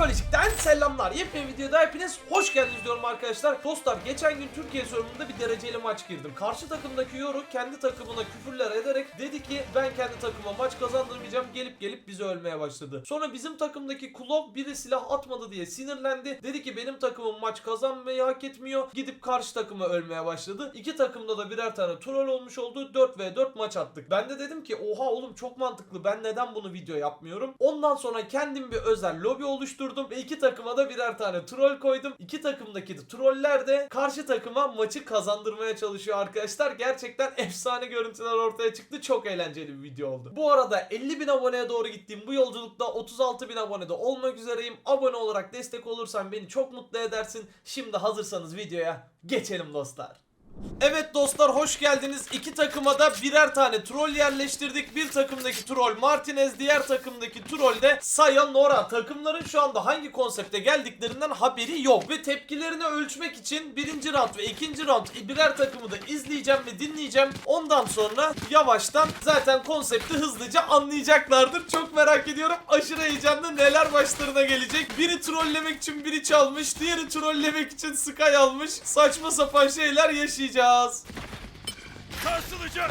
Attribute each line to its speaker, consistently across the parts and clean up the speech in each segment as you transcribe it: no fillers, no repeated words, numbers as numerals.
Speaker 1: Psikolojik'ten selamlar. Yepyeni videoda hepiniz hoş geldiniz diyorum arkadaşlar. Dostlar geçen gün Türkiye sorununda bir dereceli maç girdim. Karşı takımdaki Yoru kendi takımına küfürler ederek dedi ki ben kendi takıma maç kazandırmayacağım, gelip bizi ölmeye başladı. Sonra bizim takımdaki Klov biri silah atmadı diye sinirlendi. Dedi ki benim takımım maç kazanmayı hak etmiyor. Gidip karşı takıma ölmeye başladı. İki takımda da birer tane troll olmuş oldu. 4v4 maç attık. Ben de dedim ki oha oğlum çok mantıklı, ben neden bunu video yapmıyorum? Ondan sonra kendim bir özel lobi oluşturdum ve iki takıma da birer tane troll koydum. İki takımdaki troller de karşı takıma maçı kazandırmaya çalışıyor arkadaşlar. Gerçekten efsane görüntüler ortaya çıktı. Çok eğlenceli bir video oldu. Bu arada 50.000 aboneye doğru gittiğim bu yolculukta 36.000 abonede olmak üzereyim. Abone olarak destek olursan beni çok mutlu edersin. Şimdi hazırsanız videoya geçelim dostlar. Evet dostlar, hoş geldiniz. İki takıma da birer tane troll yerleştirdik. Bir takımdaki troll Martinez, diğer takımdaki troll de Sayonara. Takımların şu anda hangi konsepte geldiklerinden haberi yok. Ve tepkilerini ölçmek için birinci round ve ikinci round birer takımı da izleyeceğim ve dinleyeceğim. Ondan sonra yavaştan zaten konsepti hızlıca anlayacaklardır. Çok merak ediyorum. Aşırı heyecanlı, neler başlarına gelecek. Biri trollemek için biri çalmış, diğeri trollemek için Sky almış. Saçma sapan şeyler yaşayacağız.
Speaker 2: Sarsılacak.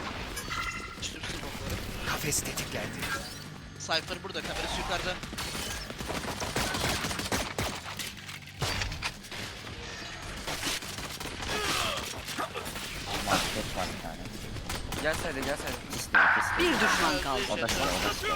Speaker 3: Kafes tetiklendi.
Speaker 4: Cypher burada, kamerası yukarıda.
Speaker 3: Market var bir tane.
Speaker 5: Gel sayda gel sayda.
Speaker 6: Bir düşman kaldı.
Speaker 3: O da şey.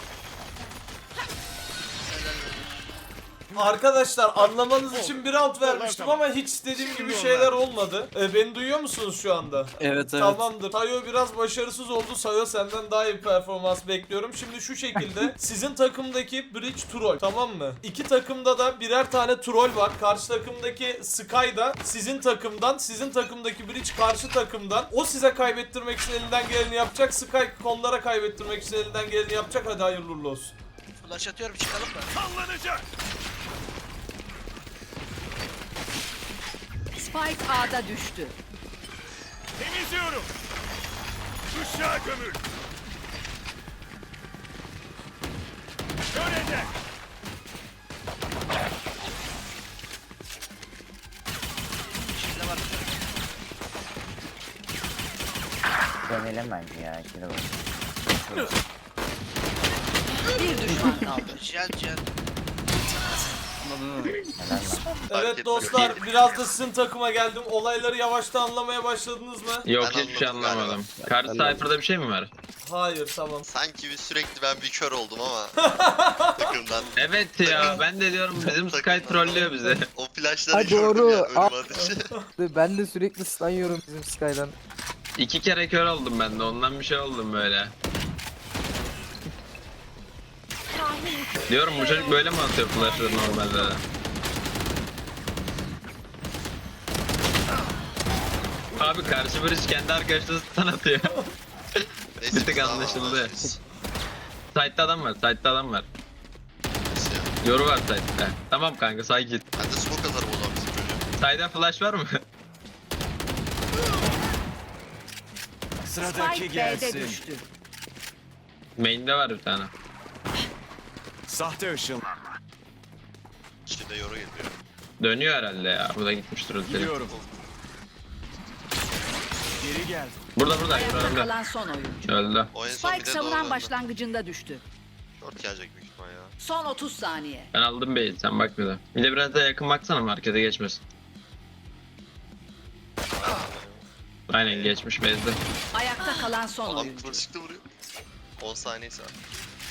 Speaker 1: Arkadaşlar anlamanız için bir round vermiştim ama hiç istediğim gibi şeyler olmadı. Beni duyuyor musunuz şu anda?
Speaker 5: Evet evet.
Speaker 1: Tamamdır. Sayo biraz başarısız oldu. Sayo senden daha iyi bir performans bekliyorum. Şimdi şu şekilde sizin takımdaki Bridge troll, tamam mı? İki takımda da birer tane troll var. Karşı takımdaki Sky da sizin takımdan, sizin takımdaki Bridge karşı takımdan. O size kaybettirmek için elinden geleni yapacak. Sky konulara kaybettirmek için elinden geleni yapacak. Hadi hayırlı uğurlu olsun.
Speaker 4: Flash atıyorum, çıkalım mı?
Speaker 2: Sallanacak.
Speaker 6: Spike A'da düştü.
Speaker 2: Temizliyorum. Uşağa gömül. Körede.
Speaker 4: Şimdi var.
Speaker 3: Dönelim bence ya. İkide bak.
Speaker 6: Bir düşman kaldı.
Speaker 4: Cihan.
Speaker 3: Helal lan.
Speaker 1: Evet dostlar, biraz da sizin takıma geldim. Olayları yavaştan anlamaya başladınız mı?
Speaker 7: Yok
Speaker 8: Ben
Speaker 7: hiçbir şey
Speaker 8: anladım
Speaker 7: anlamadım. Karşı Cypher'da bir şey mi var?
Speaker 1: Hayır, tamam.
Speaker 8: Sanki sürekli ben bir kör oldum ama takımdan.
Speaker 7: Evet ya, ben de diyorum bizim Sky trollüyor bizi.
Speaker 8: O flashları
Speaker 5: Ha,
Speaker 8: gördüm
Speaker 5: doğru.
Speaker 8: ya ölüm ateşi.
Speaker 5: Ben de sürekli stun yiyorum bizim Sky'dan.
Speaker 7: 2 kere kör oldum ben de, ondan bir şey oldum böyle. Diyorum bu çocuk böyle mi atıyor flash'ları normalde? Abi karşı Barış kendi arkadaşları stun atıyor.
Speaker 8: Neyse,
Speaker 7: Bir tık
Speaker 8: tamam,
Speaker 7: anlaşıldı.
Speaker 8: anlaşıldı.
Speaker 7: Side'da adam var, side'da adam var.
Speaker 8: Neyse ya.
Speaker 7: Yoru var side'da. Tamam kanka, say git.
Speaker 8: Ben de smoke atarım o zaman bizim çocuğa.
Speaker 7: Side'da flash var mı?
Speaker 6: Spike B'de düştü.
Speaker 7: Main'de var bir tane.
Speaker 2: Sahte ışın.
Speaker 8: İçinde yoru geliyor.
Speaker 7: Dönüyor herhalde ya. Bu da gitmiştir o çocuk.
Speaker 2: Gidiyorum. Geri geldim.
Speaker 7: Burada
Speaker 6: Ayakta
Speaker 7: önümde.
Speaker 6: kalan son oyuncu.
Speaker 7: Öldü.
Speaker 8: O en son bir
Speaker 6: Spike
Speaker 8: de
Speaker 6: savunan
Speaker 8: doğru
Speaker 6: başlangıcında düştü.
Speaker 8: Short gelecek büyük ihtimal ya.
Speaker 6: Son 30 saniye.
Speaker 7: Ben aldım bey'i, sen bak bir de. Bir de biraz daha yakın baksana, markete geçmesin. Aynen geçmiş bezde.
Speaker 6: Ayakta kalan son
Speaker 8: Adam
Speaker 6: oyuncu.
Speaker 8: kıvırcıklı vuruyor. 10 saniyesi var.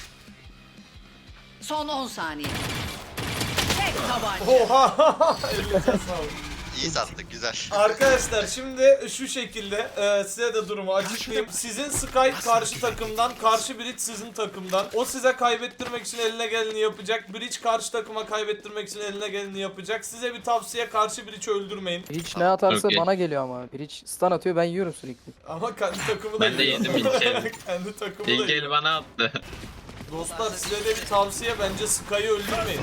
Speaker 6: Son 10 saniye. Tek tabanca.
Speaker 1: Oha! Elinize sağlık.
Speaker 8: İyi sattık güzel.
Speaker 1: Arkadaşlar şimdi şu şekilde size de durumu açıklayayım. Sizin Sky karşı takımdan, karşı Bridge sizin takımdan. O size kaybettirmek için eline geleni yapacak. Bridge karşı takıma kaybettirmek için eline geleni yapacak. Size bir tavsiye, karşı Bridge'i öldürmeyin.
Speaker 5: Bridge ne atarsa
Speaker 7: Okey.
Speaker 5: bana geliyor ama. Bridge stun atıyor, ben yiyorum sürekli.
Speaker 1: Ama kendi takımı da
Speaker 7: Ben de
Speaker 1: yiyor.
Speaker 7: yedim ilk el.
Speaker 1: Kendi takımı da
Speaker 7: İlk
Speaker 1: yiyor.
Speaker 7: el bana attı.
Speaker 1: Dostlar size de bir tavsiye, bence Sky'ı öldürmeyin.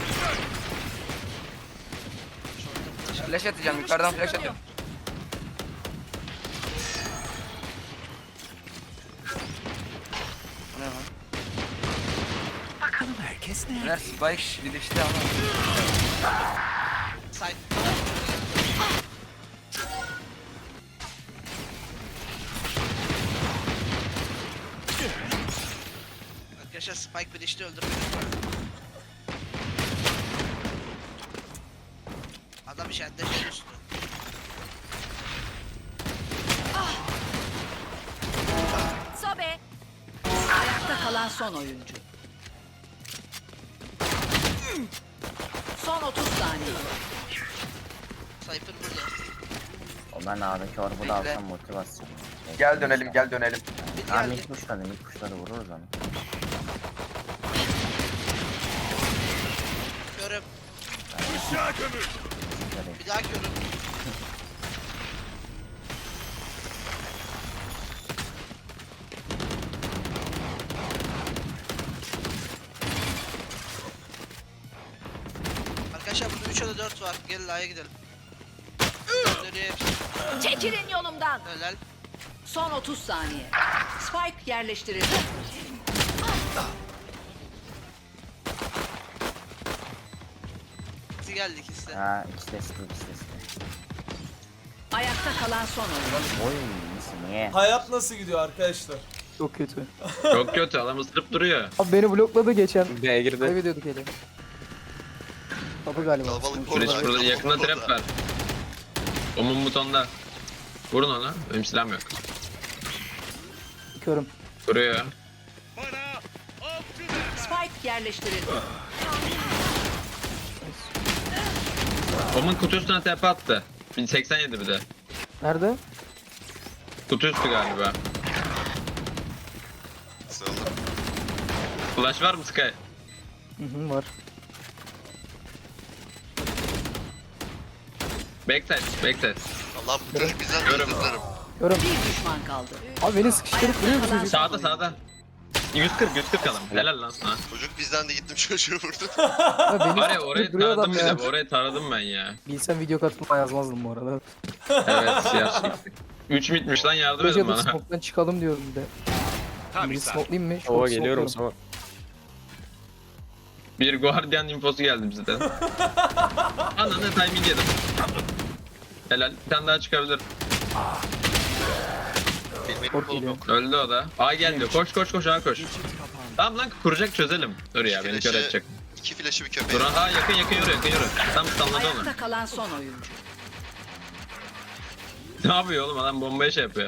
Speaker 5: Flash atacağım, yukarıdan flash atıyorum.
Speaker 3: Bakalım herkes
Speaker 5: Neler Spike bir de işte ama.
Speaker 4: Side. Arkadaşlar Spike bir işte öldürmedi. Adam işaretle şey üstü.
Speaker 6: Sobe. Ayakta kalan son oyuncu. Son 30 saniye.
Speaker 4: Cypher burada.
Speaker 3: O ben A'daki orbu
Speaker 5: Bekle.
Speaker 3: da alsam motivasyon.
Speaker 5: Gel dönelim gel dönelim.
Speaker 4: Bir
Speaker 3: Tamam
Speaker 4: geldi.
Speaker 3: ilk kuşları vururuz onu.
Speaker 4: Görüm.
Speaker 2: Işığa gömül.
Speaker 4: Bir daha görüm. Arkadaşlar burada 3 ya da 4 var. Gelin A'ya gidelim. Dönüyor hepsi.
Speaker 6: Çekilin yolumdan.
Speaker 4: Helal.
Speaker 6: Son 30 saniye. Spike yerleştirildi.
Speaker 4: Bizi geldi ikisi de.
Speaker 3: Ha ikisi de site.
Speaker 6: Ayakta kalan son oyuncu.
Speaker 3: Oy nasıl niye?
Speaker 1: Hayat nasıl gidiyor arkadaşlar?
Speaker 5: Çok kötü.
Speaker 7: Çok kötü adam ısırıp duruyor.
Speaker 5: Abi beni blokladı geçen.
Speaker 9: B'ye girdi.
Speaker 5: Kaybediyorduk eli. Kapı galiba.
Speaker 8: Kalabalık
Speaker 7: Bridge
Speaker 8: orada.
Speaker 7: burada yakında trap var. Omun butonda. Vurun ona. Benim silahım yok.
Speaker 5: Körüm.
Speaker 7: Vuruyor.
Speaker 2: Bana avcı ver.
Speaker 6: Spike yerleştirildi.
Speaker 7: Omun kutu üstüne tepe attı. 1087 bir de.
Speaker 5: Nerede?
Speaker 7: Kutu üstü galiba.
Speaker 8: Sağlam.
Speaker 7: Flash var mı Sky?
Speaker 5: Hı hı var.
Speaker 7: Backside.
Speaker 8: Allah bu çocuk bizden de
Speaker 7: Görüm.
Speaker 8: özür dilerim.
Speaker 5: Körüm.
Speaker 6: Bir düşman kaldı.
Speaker 5: Abi beni sıkıştırıp vuruyor bu çocuk.
Speaker 7: Sağda. 140 adam. Helal lan sana.
Speaker 8: Çocuk bizden de gittim çocuğu vurdu.
Speaker 5: Abi beni
Speaker 7: Var ya orayı
Speaker 5: sıkıştırıp duruyor
Speaker 7: taradım
Speaker 5: adam
Speaker 7: bir
Speaker 5: ya.
Speaker 7: de. Orayı taradım ben ya.
Speaker 5: Bilsem video katılma yazmazdım bu arada.
Speaker 7: Evet siyah çektik. 3 mitmiş lan yardım edin
Speaker 5: Projede
Speaker 7: bana.
Speaker 5: smoke'dan çıkalım diyorum bir de.
Speaker 2: Tam
Speaker 5: Bir
Speaker 2: bir saat.
Speaker 5: smoke'layım mı?
Speaker 9: Oo geliyorum sonra.
Speaker 7: Bir Guardian infosu geldi bize de. Ananı timing yedim. Helal. Bir tane daha çıkabilir.
Speaker 8: Benim
Speaker 5: Kork
Speaker 8: kolum
Speaker 5: geliyor.
Speaker 8: yok.
Speaker 7: Öldü o da. A geldi. Koş A koş. Tamam lan kuracak çözelim. Dur ya beni kör
Speaker 8: Flash'ı-
Speaker 7: edecek.
Speaker 8: 2 flash'ı bir köpeğe.
Speaker 7: Dur ha yakın yürü. Tam stunladı onu.
Speaker 6: Ayakta kalan son oyuncu.
Speaker 7: Ne yapıyor oğlum adam bombaya şey yapıyor.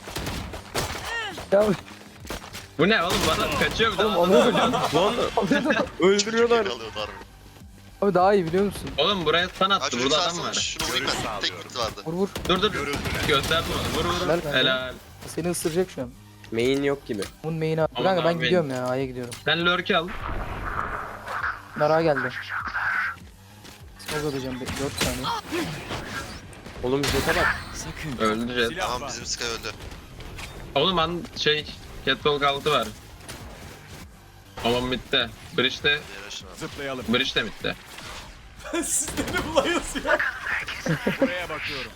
Speaker 5: Ya
Speaker 7: Bu ne oğlum bana kaçıyor bir de.
Speaker 5: oğlum alıyordum.
Speaker 9: Lan
Speaker 5: Alıyordum.
Speaker 9: öldürüyorlar.
Speaker 8: Çocuk alıyordu harbi.
Speaker 5: Abi daha iyi biliyor musun?
Speaker 7: Oğlum buraya stun
Speaker 8: Ha
Speaker 7: attı.
Speaker 8: çocuk
Speaker 7: Burada adam
Speaker 8: sarsana
Speaker 7: var.
Speaker 8: şunu vurayım
Speaker 2: Görüş
Speaker 8: ben. Tek
Speaker 2: sağlıyorum.
Speaker 8: hit vardı.
Speaker 5: Vur.
Speaker 7: Dur.
Speaker 2: Görüldüler.
Speaker 7: Gösterdim onu. Vur.
Speaker 5: Helal kanka.
Speaker 7: Helal.
Speaker 5: Seni ısıracak şu an.
Speaker 9: Main yok gibi.
Speaker 5: Bunun main'i at.
Speaker 7: Aman
Speaker 5: Kanka ben
Speaker 7: abi.
Speaker 5: gidiyorum ya. A'ya gidiyorum.
Speaker 7: Sen lurk'i al.
Speaker 5: Nara geldi. Smoke atacağım 4 saniye.
Speaker 9: Oğlum jete bak.
Speaker 7: Öldü jet.
Speaker 2: Silah
Speaker 8: Tamam
Speaker 2: var.
Speaker 8: bizim Sky öldü.
Speaker 7: Oğlum Catwalk altı var. Aman bitti. Bridge'de
Speaker 8: Diğer aşağı.
Speaker 2: Zıplayalım.
Speaker 7: de bitti.
Speaker 1: Sizleri bulayız ya.
Speaker 2: Buraya bakıyorum.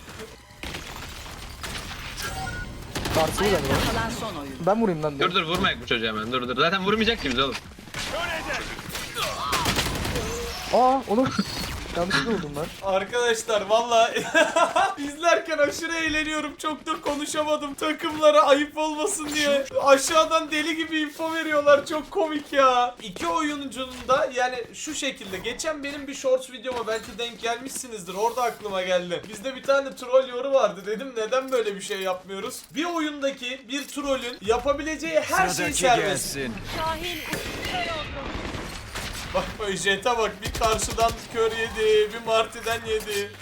Speaker 5: Karşılı galiba.
Speaker 6: Ayakta kalan son oyuncu.
Speaker 5: Ben vurayım lan diyor.
Speaker 7: Dur vurmayak bu çocuğa hemen. Dur. Zaten vurmayacak ki biz oğlum.
Speaker 2: Ölecek.
Speaker 5: Aa oğlum. Yanlışlıkla vurdum lan.
Speaker 1: Arkadaşlar valla izlerken aşırı eğleniyorum. Çok da konuşamadım. Takımlara ayıp olmasın diye. Aşağıdan deli gibi info veriyorlar. Çok komik ya. İki oyuncunun da yani şu şekilde. Geçen benim bir shorts videoma belki denk gelmişsinizdir. Orada aklıma geldi. Bizde bir tane troll yoru vardı. Dedim neden böyle bir şey yapmıyoruz? Bir oyundaki bir trollün yapabileceği her şey serbest. Bak bak Jet'e bak, bir karşıdan kör yedi, bir Marti'den yedi.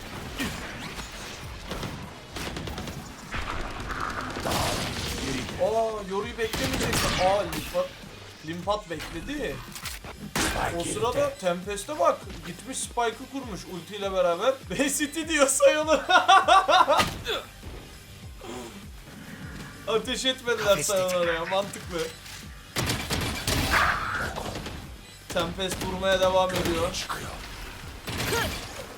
Speaker 1: Yoru'yu beklemeyeceksin. Limpat bekledi. O sırada Tempest'e bak, gitmiş Spike'ı kurmuş ultiyle beraber. City diyor sayılır. Ateş etmediler sayılara ya, mantıklı. Tempest vurmaya devam ediyor.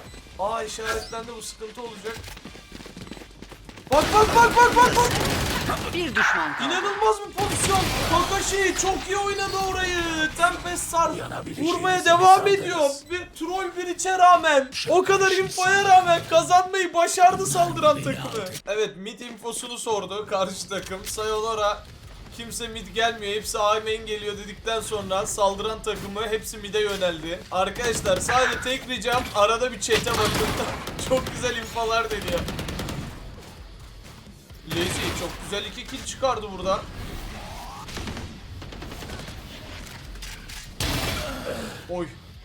Speaker 1: İşaretlendi, bu sıkıntı olacak. Bak.
Speaker 6: Bir düşman kaldı.
Speaker 1: İnanılmaz bir pozisyon. Kakashi çok iyi oynadı orayı. Tempest Sar vurmaya devam ediyor. Bir troll bir içe rağmen, o kadar infoya rağmen kazanmayı başardı saldıran takımı. Evet, mid infosunu sordu karşı takım. Sayonara, kimse mid gelmiyor, hepsi A main geliyor dedikten sonra saldıran takımı hepsi mid'e yöneldi. Arkadaşlar sadece tek ricam arada bir chat'e bakın. Çok güzel infolar deniyor. Lazy çok güzel 2 kill çıkardı burada. Oy.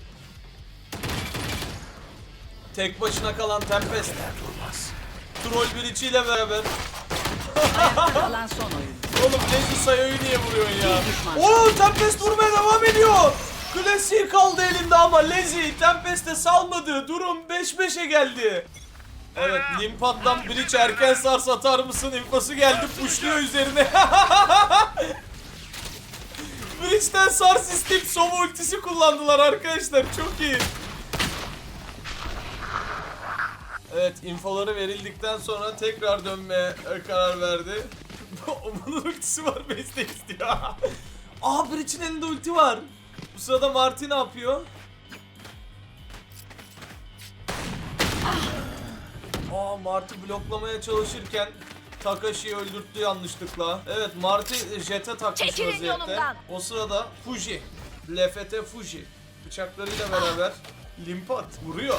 Speaker 1: Tek başına kalan Tempest. Troll bir içiyle beraber.
Speaker 6: Ayakta kalan son oyun.
Speaker 1: Oğlum Lazy Sayo'yu niye vuruyorsun ya?
Speaker 6: Bir düşman.
Speaker 1: Oo, Tempest vurmaya devam ediyor. Klasik kaldı elinde ama Lazy Tempest'e salmadı. Durum 5-5'e geldi. Evet, Limpat'tan Breach erken sars atar mısın infosu geldi, pushluyor üzerine. Breach'ten sars isteyip Sova ultisi kullandılar arkadaşlar, çok iyi. Evet, infoları verildikten sonra tekrar dönmeye karar verdi. Onun ultisi var, Beste istiyor. Aa, Breach'in elinde ulti var. Bu sırada Marty ne yapıyor? Aa, Marty bloklamaya çalışırken Takashi'yi öldürttü yanlışlıkla. Evet, Marty jet'e takmış
Speaker 6: Çekilin
Speaker 1: vaziyette.
Speaker 6: yolumdan.
Speaker 1: O sırada Fuji, LFT Fuji bıçaklarıyla beraber Limpat vuruyor.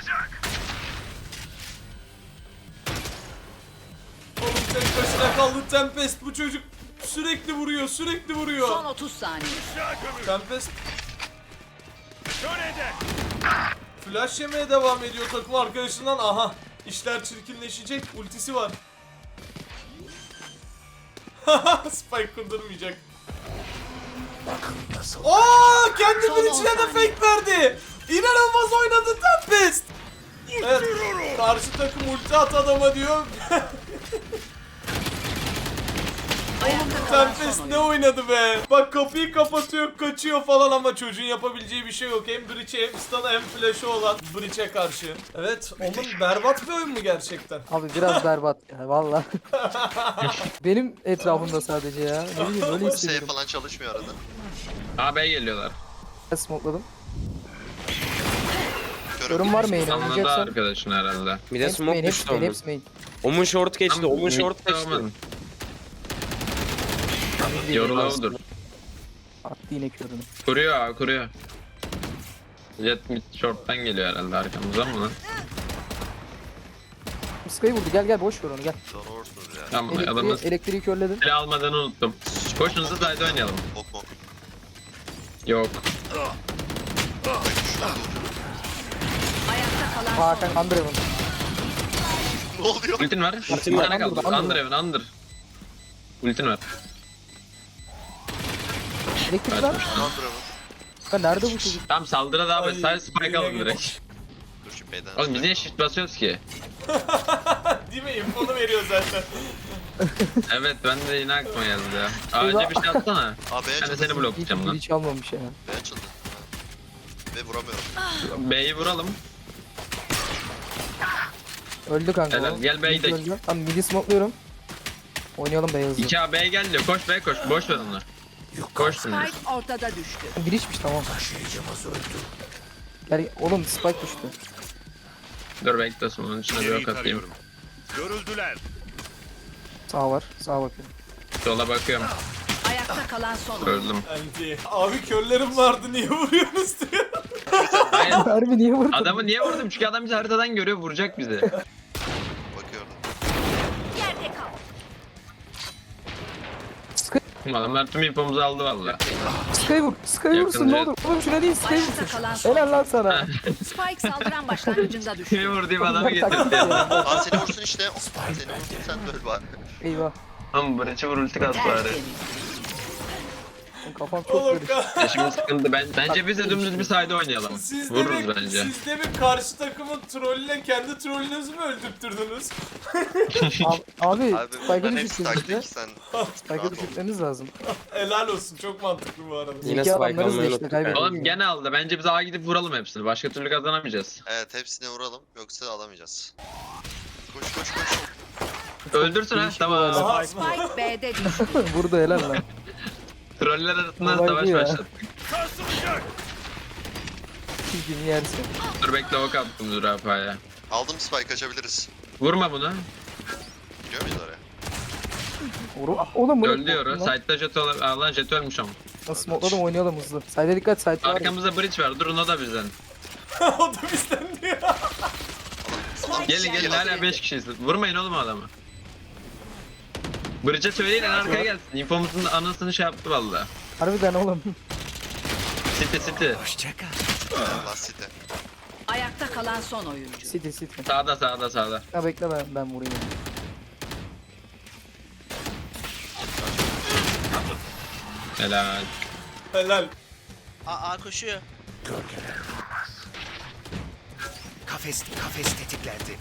Speaker 1: Oğlum tek başına kaldı Tempest, bu çocuk sürekli vuruyor, sürekli vuruyor.
Speaker 6: Son 30 saniye.
Speaker 1: Tempest
Speaker 2: Kör eder.
Speaker 1: flash yemeye devam ediyor takım arkadaşından. Aha, işler çirkinleşecek, ultisi var. Spike kurdurmayacak. Aa, kendi
Speaker 6: Son
Speaker 1: bir
Speaker 6: 10
Speaker 1: içine de
Speaker 6: saniye.
Speaker 1: fake verdi. İnanılmaz oynadı Tempest. Evet, karşı takım ulti at adama diyor.
Speaker 6: Ayakta kalan son
Speaker 1: Tempest
Speaker 6: oyun.
Speaker 1: ne oynadı be. Bak, kapıyı kapatıyor, kaçıyor falan ama çocuğun yapabileceği bir şey yok. Hem Breach'e hem Stun'a hem Flash'ı olan Breach'e karşı. Evet, onun berbat bir oyun mu gerçekten?
Speaker 5: Abi biraz berbat ya valla. Benim etrafımda sadece ya. Ne bileyim öyle
Speaker 8: Şey
Speaker 5: hissediyorum.
Speaker 8: falan çalışmıyor arada.
Speaker 7: A B'ye geliyorlar.
Speaker 5: Ben smokeladım.
Speaker 8: Körüm.
Speaker 5: Yorum var mı yine?
Speaker 7: Anladı
Speaker 5: Oynayacaksan.
Speaker 7: arkadaşın herhalde.
Speaker 9: Bir de
Speaker 5: Hepsi
Speaker 9: smoke
Speaker 5: main,
Speaker 9: düştü
Speaker 5: hepsi main,
Speaker 9: onun.
Speaker 5: hepsi main.
Speaker 9: Omun short geçti.
Speaker 7: Tamam,
Speaker 9: Omun short geçti.
Speaker 7: tamam.
Speaker 5: Bir
Speaker 7: Yorulavudur.
Speaker 5: Attı yine körünü.
Speaker 7: Kuruyor abi, kuruyor. Jet mid short'tan geliyor herhalde arkamıza mı lan?
Speaker 5: Sky'ı vurdu, gel gel boş ver onu gel.
Speaker 8: Sonra vurursunuz ya.
Speaker 7: Tamam, adamı
Speaker 5: Elektriği körledin.
Speaker 7: silah almadığını unuttum. Koşun hızlı side oynayalım.
Speaker 8: Bok bok.
Speaker 7: Yok.
Speaker 6: Ayakta kalan son
Speaker 5: Hakan
Speaker 6: oyun.
Speaker 5: Andrev'in.
Speaker 8: Ne oluyor?
Speaker 7: Ultin var.
Speaker 5: Ultin
Speaker 7: Bir
Speaker 5: var,
Speaker 7: tane kaldı.
Speaker 5: under,
Speaker 7: Under evin, under. Ultin var.
Speaker 5: Elektrik var.
Speaker 8: Androm'u.
Speaker 5: Ya nerede bu çocuk?
Speaker 7: Tamam, saldıra daha
Speaker 1: Ay,
Speaker 7: sadece spike
Speaker 1: yine
Speaker 7: alın
Speaker 1: geliyor.
Speaker 7: direkt.
Speaker 8: Dur şu B'den.
Speaker 7: Oğlum biz niye shift basıyoruz ki?
Speaker 1: Değil mi? İnfonu veriyor zaten.
Speaker 7: Evet, ben de yine aklıma geldi ya. Önce bir şey atsana.
Speaker 8: A B
Speaker 7: Ben de
Speaker 8: açıldı.
Speaker 7: seni bloklayacağım lan.
Speaker 5: Hiç almamış ya.
Speaker 8: B açıldı. Ve vuramıyorum.
Speaker 7: B'yi vuralım.
Speaker 5: Öldü kanka.
Speaker 7: Helal,
Speaker 5: o.
Speaker 7: gel B'yi
Speaker 5: Mid
Speaker 7: de.
Speaker 5: öldü. Tamam midi smokluyorum. Oynayalım beyazı.
Speaker 7: 2A B geliyor. Koş B koş. Boş ver onu. Koş şimdi.
Speaker 6: Spike ortada düştü.
Speaker 5: Bir içmiş tamam. Gel oğlum spike düştü.
Speaker 7: Dur beklesin, onun içine bir
Speaker 2: İleriyi
Speaker 7: ok atayım.
Speaker 2: tarıyorum. Görüldüler.
Speaker 5: Sağ var. Sağa bakıyorum.
Speaker 7: Sola bakıyorum.
Speaker 6: Ayakta kalan son oyun.
Speaker 7: Öldüm.
Speaker 1: Anti. Abi, körlerim vardı, niye vuruyorsunuz diyor.
Speaker 7: Hayır.
Speaker 5: Harbi niye vurdun?
Speaker 7: Adamı niye vurdum? Çünkü adam bizi haritadan görüyor, vuracak bizi.
Speaker 8: Bakıyorum.
Speaker 6: Yerde kal.
Speaker 7: Adamlar tüm infomuzu aldı valla.
Speaker 5: Sky vur. Sky
Speaker 7: Yakın
Speaker 5: vursun ne
Speaker 7: jet.
Speaker 5: olur. Oğlum şuna değil Sky
Speaker 6: Ayakta
Speaker 5: vursun.
Speaker 6: kalan son
Speaker 5: Helal lan sana.
Speaker 6: Spike saldıran başlangıcında düştü.
Speaker 7: Kimi vurduğum adamı
Speaker 5: Bunlar taktik
Speaker 7: getirdi.
Speaker 5: ya.
Speaker 8: Aa, seni vursun işte. Seni vursun, sen de öl bari.
Speaker 5: Eyvah.
Speaker 7: Ama bıraçı vur ulti kas bari.
Speaker 6: Tertemiz.
Speaker 5: Kafam çok
Speaker 1: Oğlum,
Speaker 5: karıştı.
Speaker 7: Ya şimdi sıkıntı. Bence biz de dümdüz bir side oynayalım.
Speaker 1: siz
Speaker 7: Vururuz
Speaker 1: de
Speaker 7: bence.
Speaker 1: siz de bir karşı takımın trollüyle kendi trollünüzü mü öldürttürdünüz?
Speaker 5: Abi
Speaker 8: Abi
Speaker 5: Spike'ı
Speaker 8: bunların hepsi
Speaker 5: düşürttünüz işte.
Speaker 8: taktik, sen
Speaker 5: Spike'ı
Speaker 8: rahat ol.
Speaker 5: düşürtmeniz lazım.
Speaker 1: Helal olsun, çok mantıklı bu arada.
Speaker 9: Yine
Speaker 5: İki
Speaker 9: spike
Speaker 5: adamlarız da
Speaker 9: almayı
Speaker 5: işte
Speaker 9: unuttuk.
Speaker 5: kaybediyoruz.
Speaker 7: Oğlum gene aldı. Bence biz A'ya gidip vuralım hepsini. Başka türlü kazanamayacağız.
Speaker 8: Evet, hepsine vuralım yoksa alamayacağız. Koş koş koş.
Speaker 7: Öldürsün ha
Speaker 5: değişik
Speaker 7: tamam.
Speaker 5: olaylar.
Speaker 1: Aha.
Speaker 6: Spike B'de düştü.
Speaker 5: Burada helal lan.
Speaker 7: Troller arasında
Speaker 5: Olay
Speaker 7: savaş
Speaker 5: bu ya.
Speaker 7: başlattık.
Speaker 2: Sarsılacak.
Speaker 5: Çizgini yersin.
Speaker 7: Dur bekle ok attım zürafaya.
Speaker 8: Aldım spike açabiliriz.
Speaker 7: Vurma bunu.
Speaker 8: Gidiyor muyuz oraya?
Speaker 5: Oğlum bu ne?
Speaker 7: Öldü yoru.
Speaker 5: Lan,
Speaker 7: Side'da jet olan. Aa lan jet ölmüş ama.
Speaker 5: Nasıl smokladım oynayalım hızlı. Side'e dikkat side var.
Speaker 7: Arkamızda bridge var. Durun o da bizden.
Speaker 1: O da bizden diyor.
Speaker 7: Gelin gelin hala 5 kişiyiz. Vurmayın oğlum adamı. Bridge'e söyleyin en arkaya gelsin. Infomuzun anasını şey yaptı valla.
Speaker 5: Harbiden oğlum.
Speaker 7: City.
Speaker 8: Allah site.
Speaker 6: Ayakta kalan son oyuncu.
Speaker 5: City city.
Speaker 7: Sağda.
Speaker 5: Ha bekle ben vurayım.
Speaker 7: Helal.
Speaker 1: Helal.
Speaker 4: A koşuyor.
Speaker 2: Kafes tetiklendi.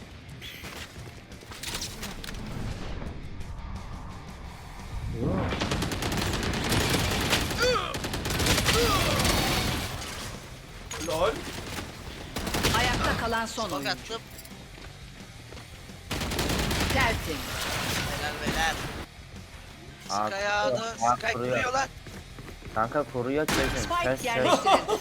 Speaker 1: Lol.
Speaker 6: Ayakta kalan son
Speaker 4: Bak
Speaker 6: oyuncu.
Speaker 4: attım.
Speaker 6: Tertemiz.
Speaker 4: Helal beyler.
Speaker 3: Aa,
Speaker 4: Sky ağını.
Speaker 3: aa,
Speaker 4: Sky
Speaker 3: kuruyor.
Speaker 4: vuruyor lan.
Speaker 3: Kanka koruyor çözün.
Speaker 6: Spike yerleştirildi.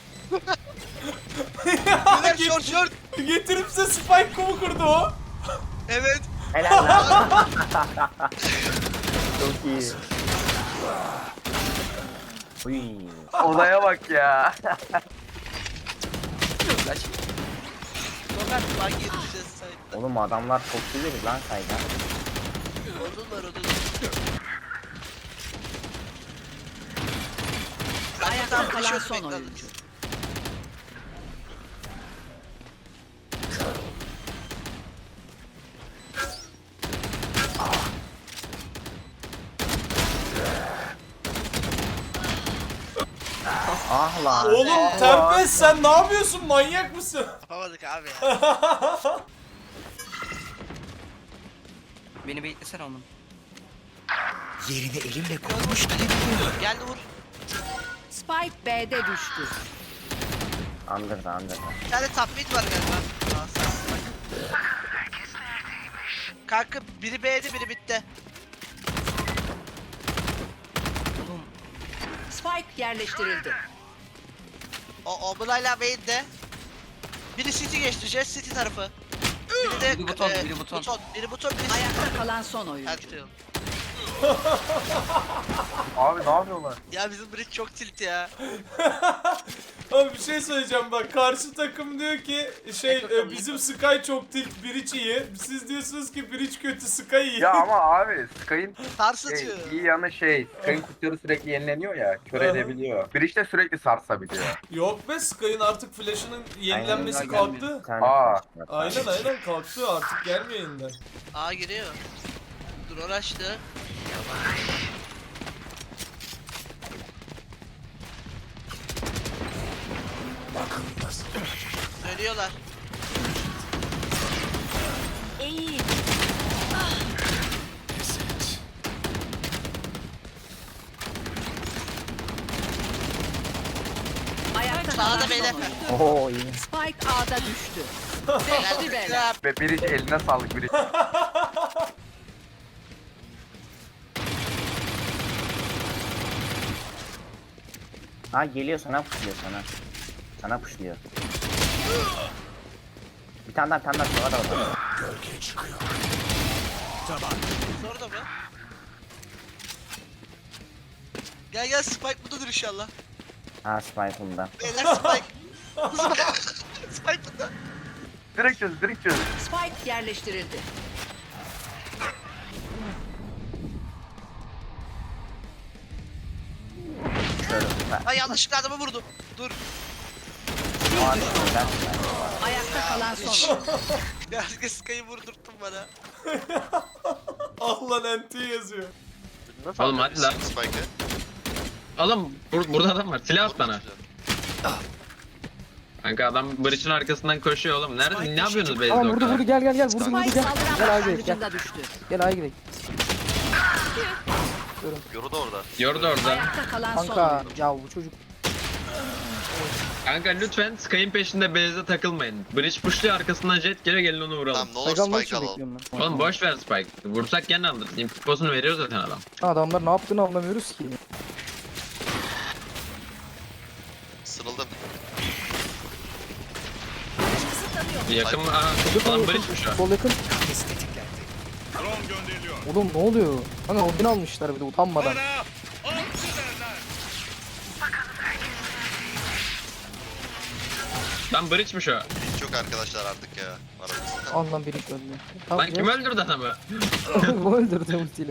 Speaker 4: Beyler short.
Speaker 1: Getirip size spike kumu kurdu o.
Speaker 4: Evet.
Speaker 3: Helal lan. Çok iyi. Uy.
Speaker 9: Olaya bak ya.
Speaker 4: Sokak bak gireceğiz sayıda.
Speaker 3: Oğlum adamlar çok iyi lan sayda.
Speaker 4: Odunlar.
Speaker 6: Ayakta kalan son oyuncu.
Speaker 3: Ah lan.
Speaker 1: Oğlum Tempest sen ne yapıyorsun? Manyak mısın?
Speaker 4: Yapamadık abi ya.
Speaker 5: Beni beklesene oğlum.
Speaker 2: Yerini elimle koydum.
Speaker 4: Geldi vur.
Speaker 6: Spike B'de düştü.
Speaker 3: Andırdı.
Speaker 4: Bir tane top mid var galiba. Aa, sağ ol. Kanka biri B'de biri mid'de.
Speaker 6: Spike yerleştirildi.
Speaker 4: O Obulayla main'de. Biri City geçti. Jet City tarafı. Biri de biri buton. Biri buton, biri
Speaker 6: Ayakta kalan son oyuncu.
Speaker 4: Ertuğrul.
Speaker 9: Abi ne yapıyorlar?
Speaker 4: Ya bizim bridge çok tilt ya.
Speaker 1: Abi bir şey söyleyeceğim bak. Karşı takım diyor ki bizim Sky çok tilt, Bridge iyi. Siz diyorsunuz ki Bridge kötü, Sky iyi.
Speaker 9: Ya ama abi Sky'ın
Speaker 4: Sarsıtıyor.
Speaker 9: iyi yanı Sky'ın kutuları sürekli yenileniyor ya. Kör edebiliyor. Bridge de sürekli sarsabiliyor.
Speaker 1: Yok be, Sky'ın artık flash'ının yenilenmesi
Speaker 3: Aynen,
Speaker 1: kalktı.
Speaker 3: Bir tane
Speaker 9: Aa.
Speaker 3: flash var.
Speaker 1: Aynen kalktı, artık gelmiyor yeniden.
Speaker 4: A giriyor. Drone açtı. Dönüyorlar.
Speaker 6: İyi. Ayakta kalan
Speaker 4: Sağda
Speaker 6: son
Speaker 4: beyler.
Speaker 6: oyuncu.
Speaker 3: Oo iyi.
Speaker 6: Spike A'da düştü.
Speaker 4: Helal
Speaker 6: Beşli beyler.
Speaker 4: güzel.
Speaker 9: Ve Bridge eline sağlık Bridge.
Speaker 3: Ha geliyor sana puşluyor sana. Sana puşluyor. Bir tane daha var orada.
Speaker 4: Orada mı? Gel Spike bundadır inşallah.
Speaker 3: Ha Spike bunda.
Speaker 4: Beyler Spike. Spike bunda.
Speaker 9: Direkt çöz.
Speaker 6: Spike yerleştirildi.
Speaker 3: Şöyle.
Speaker 4: Ay yanlışlıkla adamı vurdum. Dur.
Speaker 6: Ayakta kalan son oyuncu.
Speaker 4: Ya Sky'ı vurdurttun bana.
Speaker 1: Ah lan NT yazıyor.
Speaker 7: Oğlum hadi lan.
Speaker 8: Spike'ı.
Speaker 7: Oğlum burada adam var. Silah at bana. Kanka adam bridge'in arkasından koşuyor oğlum. Nerede? Ne yapıyorsunuz base'de
Speaker 5: Tamam
Speaker 7: o
Speaker 5: vurdu
Speaker 7: kadar?
Speaker 5: gel gel vurdu
Speaker 6: Spike
Speaker 5: gel.
Speaker 6: saldıran
Speaker 5: Gel A'ya gidelim gel.
Speaker 6: başlangıcında düştü.
Speaker 5: Gel A'ya gidelim.
Speaker 8: Yoru da orada.
Speaker 7: Yordu orada.
Speaker 6: Ayakta kalan son
Speaker 5: Kanka
Speaker 6: oyuncu.
Speaker 5: ya bu çocuk.
Speaker 7: Kanka lütfen Sky'in peşinde base'de takılmayın. Bridge pushluyor arkasından jet geliyor, gelin onu vuralım.
Speaker 8: Tamam ne olur
Speaker 5: Spike almak
Speaker 8: spike
Speaker 5: için
Speaker 8: alalım.
Speaker 5: bekliyorum ben.
Speaker 7: Oğlum boş ver Spike. Vursak gene alırız. Info'sunu veriyor zaten adam.
Speaker 5: Adamlar ne yaptığını anlamıyoruz ki.
Speaker 8: Sırıldım.
Speaker 7: Yakın... Aa, lan bridge'miş o.
Speaker 5: Sol yakın.
Speaker 2: Drone gönderiliyor.
Speaker 5: Oğlum ne oluyor? Hani Odin almışlar bir de utanmadan.
Speaker 7: Lan bridge'miş o.
Speaker 8: Hiç yok arkadaşlar artık ya. Aramızda.
Speaker 5: Ondan biri öldü.
Speaker 7: Lan kim öldürdü adamı?
Speaker 5: Bu öldürdü ultiyle.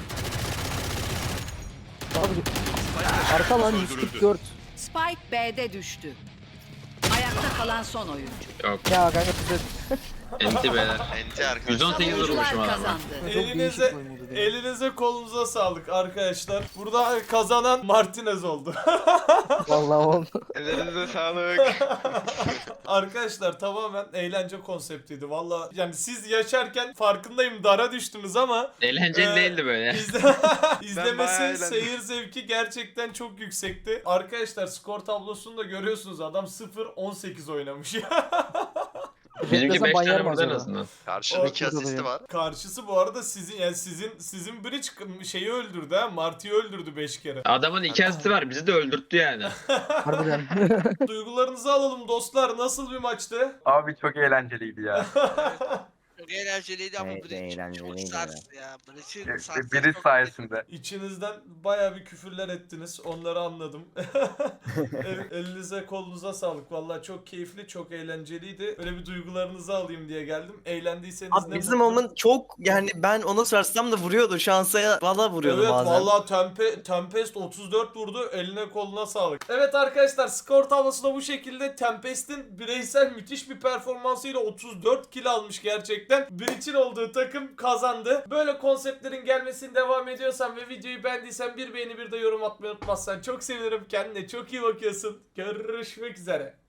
Speaker 5: Abi arka lan 144.
Speaker 6: Spike B'de düştü. Ayakta kalan son oyuncu.
Speaker 7: Yok.
Speaker 5: Ya kanka size
Speaker 7: Enti beyler.
Speaker 8: Enti arkadaşlar.
Speaker 7: 118
Speaker 6: Oyuncular
Speaker 7: vurmuşum adama.
Speaker 6: kazandı.
Speaker 5: çok
Speaker 1: Elinize,
Speaker 5: değişik oyun oldu diye.
Speaker 1: elinize kolunuza sağlık arkadaşlar. Burada kazanan Martinez oldu.
Speaker 5: Vallahi oldu.
Speaker 8: Ellerinize sağlık.
Speaker 1: Arkadaşlar tamamen eğlence konseptiydi. Valla yani siz yaşarken farkındayım dara düştünüz ama
Speaker 7: Eğlenceli değildi böyle.
Speaker 8: bayağı
Speaker 1: izlemesi,
Speaker 8: eğlendim.
Speaker 1: seyir zevki gerçekten çok yüksekti. Arkadaşlar skor tablosunu da görüyorsunuz. Adam 0-18 oynamış ya.
Speaker 7: Bizimki
Speaker 5: Desem
Speaker 7: 5
Speaker 5: ban yer
Speaker 7: tane
Speaker 5: mi
Speaker 7: vurdu en
Speaker 5: acaba?
Speaker 7: azından.
Speaker 8: Karşının 2
Speaker 5: Ortada
Speaker 8: asisti
Speaker 5: ya.
Speaker 8: var.
Speaker 1: Karşısı bu arada sizin yani sizin bridge şeyi öldürdü ha. Marty'yi öldürdü 5 kere.
Speaker 7: Adamın 2 asisti var, bizi de öldürttü yani.
Speaker 5: Harbiden.
Speaker 1: Duygularınızı alalım dostlar. Nasıl bir maçtı?
Speaker 9: Abi çok eğlenceliydi ya.
Speaker 4: Çok eğlenceliydi ama
Speaker 3: Evet,
Speaker 4: Bridge çok
Speaker 3: eğlenceliydi
Speaker 4: sarstı ya. Bridge'in sarstı.
Speaker 9: Biri sayesinde.
Speaker 1: İçinizden bayağı bir küfürler ettiniz. Onları anladım. Elinize kolunuza sağlık. Vallahi çok keyifli, çok eğlenceliydi. Öyle bir duygularınızı alayım diye geldim. Eğlendiyseniz
Speaker 10: Abi
Speaker 1: ne
Speaker 10: bizim
Speaker 1: mutlu.
Speaker 10: Omen çok yani ben ona sarsam da vuruyordu. Şansa valla vuruyordu
Speaker 1: Evet
Speaker 10: bazen.
Speaker 1: vallahi Tempest 34 vurdu. Eline koluna sağlık. Evet arkadaşlar skor tablosu da bu şekilde. Tempest'in bireysel müthiş bir performansıyla 34 kill almış gerçekten. Breach'in olduğu takım kazandı. Böyle konseptlerin gelmesini devam ediyorsan ve videoyu beğendiysen bir beğeni bir de yorum atmayı unutmazsan çok sevinirim. Kendine çok iyi bakıyorsun. Görüşmek üzere.